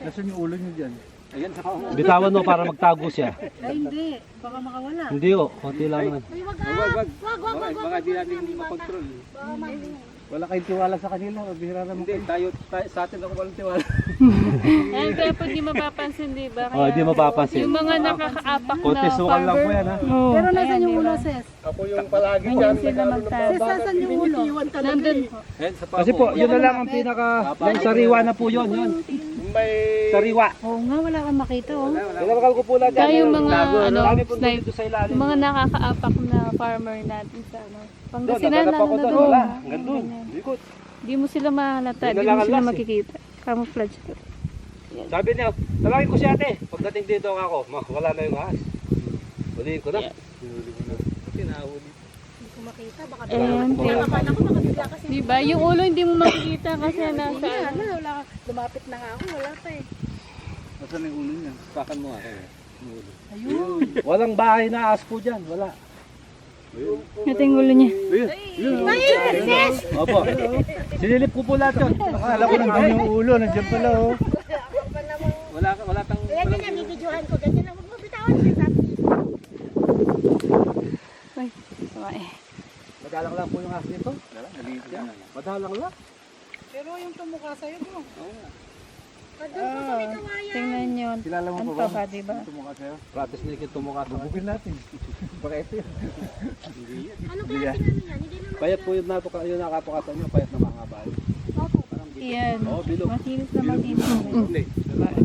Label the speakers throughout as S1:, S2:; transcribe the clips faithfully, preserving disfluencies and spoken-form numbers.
S1: Nasaan yung ulo niyo dyan?
S2: Ayan, sa pao.
S3: Bitawan mo para magtago siya.
S4: Ay, hindi. Baka makawala.
S3: Hindi oh, konti lang naman.
S4: Ay, wag
S2: Wag, wag, wag. Baka, baka di natin makontrol.
S1: Wala kayong tiwala sa kanila, o bihira naman.
S2: Hindi, tayo, tayo, sa atin ako walang tiwala.
S5: Ayan, kaya pag di mapapansin, di ba?
S3: Oh, hindi mapapansin.
S5: Yung mga nakakaapak na
S3: Konti sukan lang po yan ha.
S5: Oh,
S4: Pero nasan
S5: ayan,
S4: yung
S5: di
S4: ulo,
S5: ba?
S4: sis?
S2: Ako yung palagi
S5: Ayun
S2: dyan.
S5: sila magtago.
S4: Sis, nasan yung ulo?
S5: Nandun po.
S2: Ayan, sa pao.
S3: Kasi po, yun na lang ang pinaka, yung sariwa na po yun, yun.
S2: May...
S3: Sariwa.
S4: Oo nga, wala kang makita, oh.
S3: Pinabakal ko po lahat yan.
S5: Kaya yung mga, ano,
S3: Dami po
S5: snipe,
S3: dito sa ilalim.
S5: yung mga nakakaapak na farmer natin sa, ano,
S3: Doon,
S5: Pangasinan
S3: naganap
S5: lang
S3: ako
S5: na
S3: doon.
S5: doon.
S3: Wala, hanggang doon. Likod.
S5: Di mo sila mahalata,
S3: Yun na
S5: di
S3: lang
S5: mo
S3: ang
S5: sila
S3: last eh.
S5: makikita. Camouflage.
S3: Sabi niya, talagin ko si ate. Pagdating dito ako, ma, wala na yung ahas. Huliin ko na.
S2: Kasi nahuli.
S4: Hindi ko makita, baka
S5: Ayan,
S4: bigla.
S5: kaya-
S4: Akala ko baka bigla kasi.
S5: Di ba? Yung ulo hindi mo makikita kasi
S4: Hindi
S5: nasa,
S4: nga, wala, wala. Lumapit na nga ako, wala pa eh.
S1: Nasaan yung ulo niya?
S2: Sakan mo nga. eh.
S4: Ayun.
S3: Walang bahay na ahas po dyan. Wala.
S5: ito yung ulo niya.
S4: Ayun, sis!
S3: Opo. Sinilip ko po lahat yun.
S1: Akala ko nandun yung ulo, nandiyan pala oh.
S2: Wala, wala tang...
S4: Kaya
S2: walang-
S4: ganyan, bibidyohan ko, ganyan lang. Huwag mo bitawan, sis.
S5: Ay, sama eh.
S3: Madalang lang po yung ahas nito.
S2: Wala, maliit yan.
S3: Madalang lang.
S4: Pero yung tumukha sa'yo, mo.
S2: Oo nga.
S4: Doon po sa may kawayan.
S5: Tingnan nyo.
S1: Kilala mo
S5: Ano
S1: pa
S5: pa
S1: ba?
S5: ba, di ba?
S1: Tumukha sa'yo.
S3: Practice na ikin tumukha sa
S1: Bubugin natin. Baka ito yun.
S4: Anong klase namin yan? Hindi naman.
S3: Payat po yun natuka, yun nakapukatan nyo, payat na mga bahay.
S4: Opo.
S5: Yan.
S3: Oo, bilog.
S5: Masinis na masinis.
S3: Hindi, lalaki.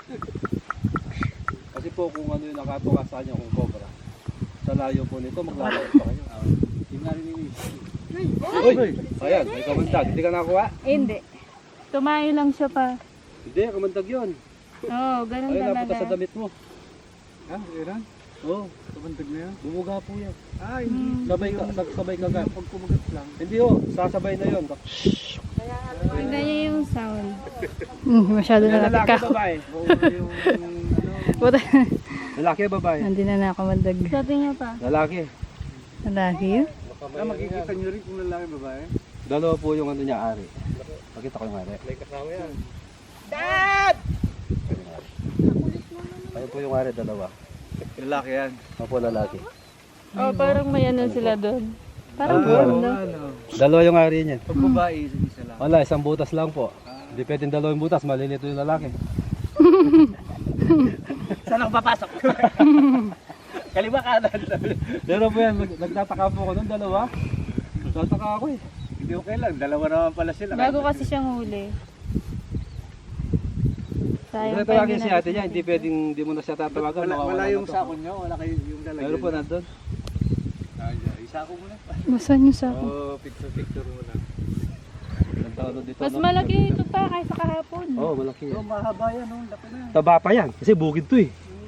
S3: Kasi po kung ano yung nakatuka sa kanya, kung cobra, sa layo po nito, maglalayo pa kayo.
S2: Yung narinig.
S3: Uy! Ayan, may kamandag. Hindi ka nakuha?
S5: Eh, hindi. Tumayo lang siya pa.
S3: Hindi, kamandag yun.
S5: Oo, oh, ganun
S3: Ayun, napunta
S5: talaga.
S3: sa damit mo.
S1: Ha? Iran?
S3: Oo,
S1: Kabandag na yan?
S3: bumuga po yan.
S1: Ah, hindi.
S3: Sabay ka, sabay ka ka.
S1: Pag kumagat lang.
S3: Hindi oh, sasabay na yun.
S5: Tingnan niya yung sound. Hmm, masyado na
S3: Lalaki,
S5: napika.
S3: babae.
S1: Oo, yung ano.
S3: Lalaki, babae.
S5: Hindi na nakamandag. Sabi niya pa.
S3: Lalaki.
S5: Lalaki yun?
S1: Ah, makikita nyo rin kung lalaki babae.
S3: Dalawa po yung ano niya, ari. Pakita ko yung ari.
S2: May kasama yan.
S3: Ayun po yung ari, dalawa.
S1: Lalaki yan.
S3: Opo, lalaki.
S5: Oh, parang may ano sila doon. Parang
S3: Ah,
S5: buwan,
S3: ano?
S5: no?
S1: Ano?
S3: Dalawa yung ari niya.
S1: Pag babae, isa lang.
S3: Wala, isang butas lang po. Hindi pwedeng dalawang butas, malilito yung lalaki.
S2: Saan ako papasok? Kaliwa kanan.
S3: Pero po yan, nag- nagtataka po ako nung dalawa. Nagtataka ako eh.
S2: Hindi okay lang. Dalawa naman pala sila.
S5: Bago kasi siyang huli. Sayang
S3: Ito
S5: pa
S3: lagi
S5: hindi
S3: si
S5: natin
S3: ate niya, hindi pwedeng, hindi mo na siya tatawagan.
S2: Wala,
S3: mawawala
S2: wala
S3: na
S2: yung
S3: to.
S2: sako nyo. Wala kayo yung dalaga.
S3: Meron po nandun.
S2: Isako mo na.
S5: Masan yung sako?
S2: Oo, picture-picture mo na.
S3: Nagtawag dito.
S5: Mas
S3: no?
S5: malaki ito pa kaysa kahapon.
S3: Oo, oh, malaki
S2: Oo,
S3: yan.
S2: mahaba yan. Oh. Laki na.
S3: Taba pa yan, kasi bukid to eh.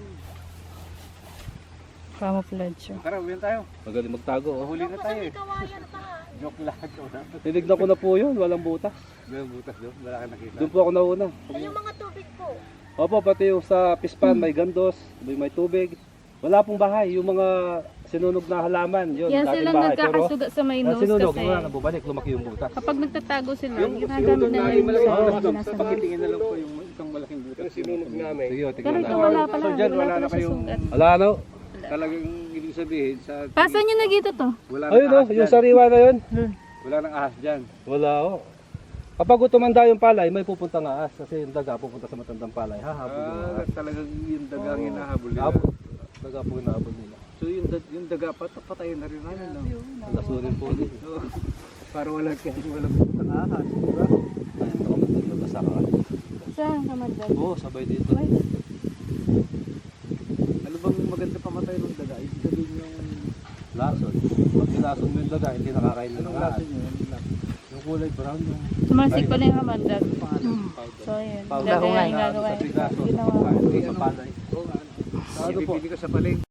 S5: Camouflage siya.
S2: Tara, uwihan tayo.
S3: Magaling magtago. Oh.
S2: Huli na tayo eh.
S4: Kawayan pa.
S2: Joke lang.
S3: Tinignan ko na po yun, walang butas.
S2: May butas doon. Wala ka nakita.
S3: Doon po ako nauna.
S4: Ay, yung mga tubig po.
S3: Opo, pati yung sa pispan, may gandos, may, may tubig. Wala pong bahay, yung mga sinunog na halaman, yun,
S5: Yan
S3: dating
S5: silang
S3: bahay. Pero,
S5: nagkakasuga sa may
S3: ang
S5: nose
S3: sinunog,
S5: kasi.
S3: mga nabubalik, lumaki yung butas.
S5: Kapag nagtatago sila,
S2: Yung
S5: ginagamit
S2: sinunog
S5: na
S2: namin
S5: yung
S2: malaking
S5: sa
S2: butas.
S5: nasa
S2: Pakitingin na lang po yung isang malaking butas. Yung sinunog namin.
S3: Sige, o,
S5: Pero
S3: tignan
S5: ito
S3: natin.
S5: wala pala,
S2: So, dyan,
S5: wala
S2: wala
S5: pala
S2: na
S5: siya
S2: kayong...
S5: sugat.
S3: Wala ano?
S2: Talagang ibig sabihin sa...
S5: Pasan nyo na dito to?
S2: Wala
S3: Ayun
S2: nang
S3: o,
S2: ahas
S3: yung
S2: dyan.
S3: sariwa na yun.
S2: Wala nang ahas dyan.
S3: Wala o. Kapag tumanda yung palay, may pupunta nga as. Kasi yung daga pupunta sa matandang palay. Hahabol yung
S2: Ah,
S3: ahas.
S2: talagang yung dagang
S3: Oo.
S2: hinahabol nila.
S3: Habol. Daga po hinahabol nila.
S2: So yung, dag yung daga pat patayin na rin namin. No?
S3: Lasunin po din.
S2: So, para wala kasi walang putang ahas. Diba?
S3: Ayun, ako maglabasa ka.
S5: Saan kamandag?
S3: Oo, sabay dito.
S2: Ano bang maganda pamatay ng daga? Ibig sabihin yung...
S3: Lason. Pag nilason mo yung daga, hindi nakakain na ng
S2: Anong
S3: ahas.
S2: lason nyo? Anong lason?
S3: Yung kulay brown yung
S5: Sumalsik pala yung kamandag. So, yun.
S3: powder.
S5: Gagawin yung gagawa.
S3: Sa pigaso.
S5: Ginawa.
S3: Sa palay.
S2: Oo nga.
S3: Ano po?
S2: Ibibili ko sa palengke.